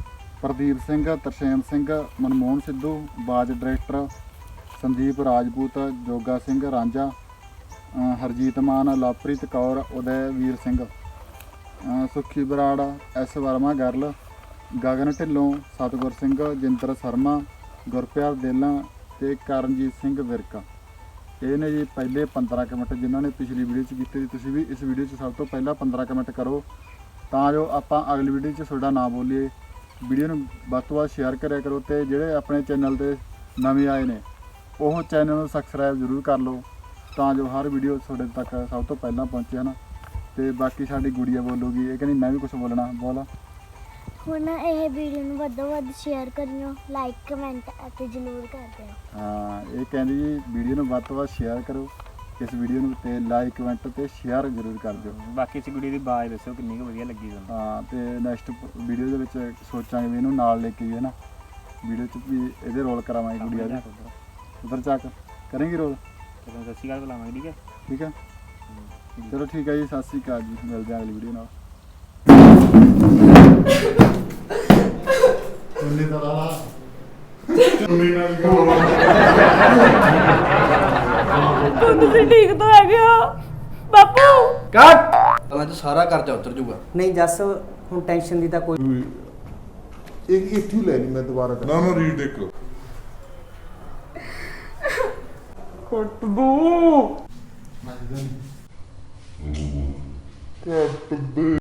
ਪ੍ਰਦੀਪ ਸਿੰਘ, ਤਰਸੇਮ ਸਿੰਘ, ਮਨਮੋਹਨ ਸਿੱਧੂ, ਬਾਜ ਡਾਇਰੈਕਟਰ, ਸੰਦੀਪ ਰਾਜਪੂਤ, ਜੋਗਾ ਸਿੰਘ ਰਾਂਝਾ, ਅ, ਹਰਜੀਤ ਮਾਨ, ਲਵਪ੍ਰੀਤ ਕੌਰ, ਉਦੈਵੀਰ ਸਿੰਘ, ਅ, ਸੁੱਖੀ ਬਰਾੜ, ਐਸ ਵਰਮਾ ਗਰਲ, ਗਗਨ ਢਿੱਲੋਂ, ਸਤਗੁਰ ਸਿੰਘ, ਜਿੰਦਰ ਸ਼ਰਮਾ, ਗੁਰਪਿਆਰ ਦੇਲਾਂ ਤੇ ਕਰਨਜੀਤ ਸਿੰਘ ਵਿਰਕਾ। ਇਹ ਨੇ ਜੀ ਪਹਿਲੇ ਪੰਦਰਾਂ ਕਮੈਂਟ ਜਿਨ੍ਹਾਂ ਨੇ ਪਿਛਲੀ ਵੀਡੀਓ 'ਚ ਕੀਤੇ ਸੀ। ਤੁਸੀਂ ਵੀ ਇਸ ਵੀਡੀਓ 'ਚ ਸਭ ਤੋਂ ਪਹਿਲਾਂ ਪੰਦਰਾਂ ਕਮੈਂਟ ਕਰੋ ਤਾਂ ਜੋ ਆਪਾਂ ਅਗਲੀ ਵੀਡੀਓ 'ਚ ਤੁਹਾਡਾ ਨਾਮ ਬੋਲੀਏ। ਵੀਡੀਓ ਨੂੰ ਵੱਧ ਤੋਂ ਵੱਧ ਸ਼ੇਅਰ ਕਰਿਆ ਕਰੋ ਤੇ ਜਿਹੜੇ ਆਪਣੇ ਚੈਨਲ ਤੇ ਨਵੇਂ ਆਏ ਨੇ ਉਹ ਚੈਨਲ ਨੂੰ ਸਬਸਕ੍ਰਾਈਬ ਜ਼ਰੂਰ ਕਰ ਲਓ ਤਾਂ ਜੋ ਹਰ ਵੀਡੀਓ ਤੁਹਾਡੇ ਤੱਕ ਸਭ ਤੋਂ ਪਹਿਲਾਂ ਪਹੁੰਚੇ ਹਨ। ਤੇ ਬਾਕੀ ਸਾਡੀ ਗੁੜੀਆ ਬੋਲੂਗੀ, ਇਹ ਕਹਿੰਦੀ ਮੈਂ ਵੀ ਕੁਝ ਬੋਲਣਾ। ਬੋਲ।
ਹੁਣ ਇਹ ਵੀਡੀਓ ਨੂੰ ਵੱਧ ਤੋਂ ਵੱਧ ਸ਼ੇਅਰ ਕਰਿਓ, ਲਾਈਕ ਕਮੈਂਟ ਅਤੇ ਜ਼ਰੂਰ ਕਰ ਦਿਓ।
ਹਾਂ, ਇਹ ਕਹਿੰਦੀ ਜੀ ਵੀਡੀਓ ਨੂੰ ਵੱਧ ਤੋਂ ਵੱਧ ਸ਼ੇਅਰ ਕਰੋ ਇਸ ਵੀਡੀਓ ਨੂੰ ਤੇ ਲਾਈਕ ਕਮੈਂਟ ਤੇ ਸ਼ੇਅਰ ਜ਼ਰੂਰ ਕਰ ਦਿਓ।
ਬਾਕੀ ਇਸ ਵੀਡੀਓ ਦੀ ਆਵਾਜ਼ ਦੱਸਿਓ ਕਿੰਨੀ ਕੁ ਵਧੀਆ ਲੱਗੀ ਤੁਹਾਨੂੰ।
ਹਾਂ, ਤੇ ਨੈਕਸਟ ਵੀਡੀਓ ਦੇ ਵਿੱਚ ਸੋਚਾਂਗੇ ਵੀ ਇਹਨੂੰ ਨਾਲ ਲੈ ਕੇ ਆਈਏ ਨਾ, ਵੀਡੀਓ 'ਚ ਵੀ ਇਹਦੇ ਰੋਲ ਕਰਾਵਾਂਗੇ ਗੁੜੀਆ ਦੇ। ਉਧਰ ਚੱਕ ਕਰਾਂਗੇ ਰੋਲ।
ਤੁਹਾਨੂੰ ਸਤਿ ਸ਼੍ਰੀ ਅਕਾਲ ਬੁਲਾਵਾਂਗੇ, ਠੀਕ ਹੈ?
ਠੀਕ ਹੈ, ਚਲੋ ਠੀਕ ਹੈ ਜੀ, ਸਤਿ ਸ਼੍ਰੀ ਅਕਾਲ ਜੀ, ਮਿਲਦੇ ਹਾਂ ਅਗਲੀ ਵੀਡੀਓ ਨਾਲ। ਉਨੀ ਤਾਂ ਲਾ ਉਨੀ ਨਾਲ
ਤੁਸੀਂ ਠੀਕ ਤਾਂ ਹੈਗੇ ਹੋ ਬਾਪੂ?
ਕੱਟ ਤਾਂ ਅੱਜ ਸਾਰਾ ਕਰਜ਼ਾ ਉਤਰ ਜਾਊਗਾ।
ਨਹੀਂ ਜੱਸ, ਹੁਣ ਟੈਨਸ਼ਨ ਦੀ ਤਾਂ ਕੋਈ
ਇੱਕ ਇੱਥੇ ਲੈ ਲਈ ਮੈਂ ਦੁਬਾਰਾ
ਨਾ ਨਾ ਰੀਡ ਦੇਖੋ
ਕੱਟ ਦੋ।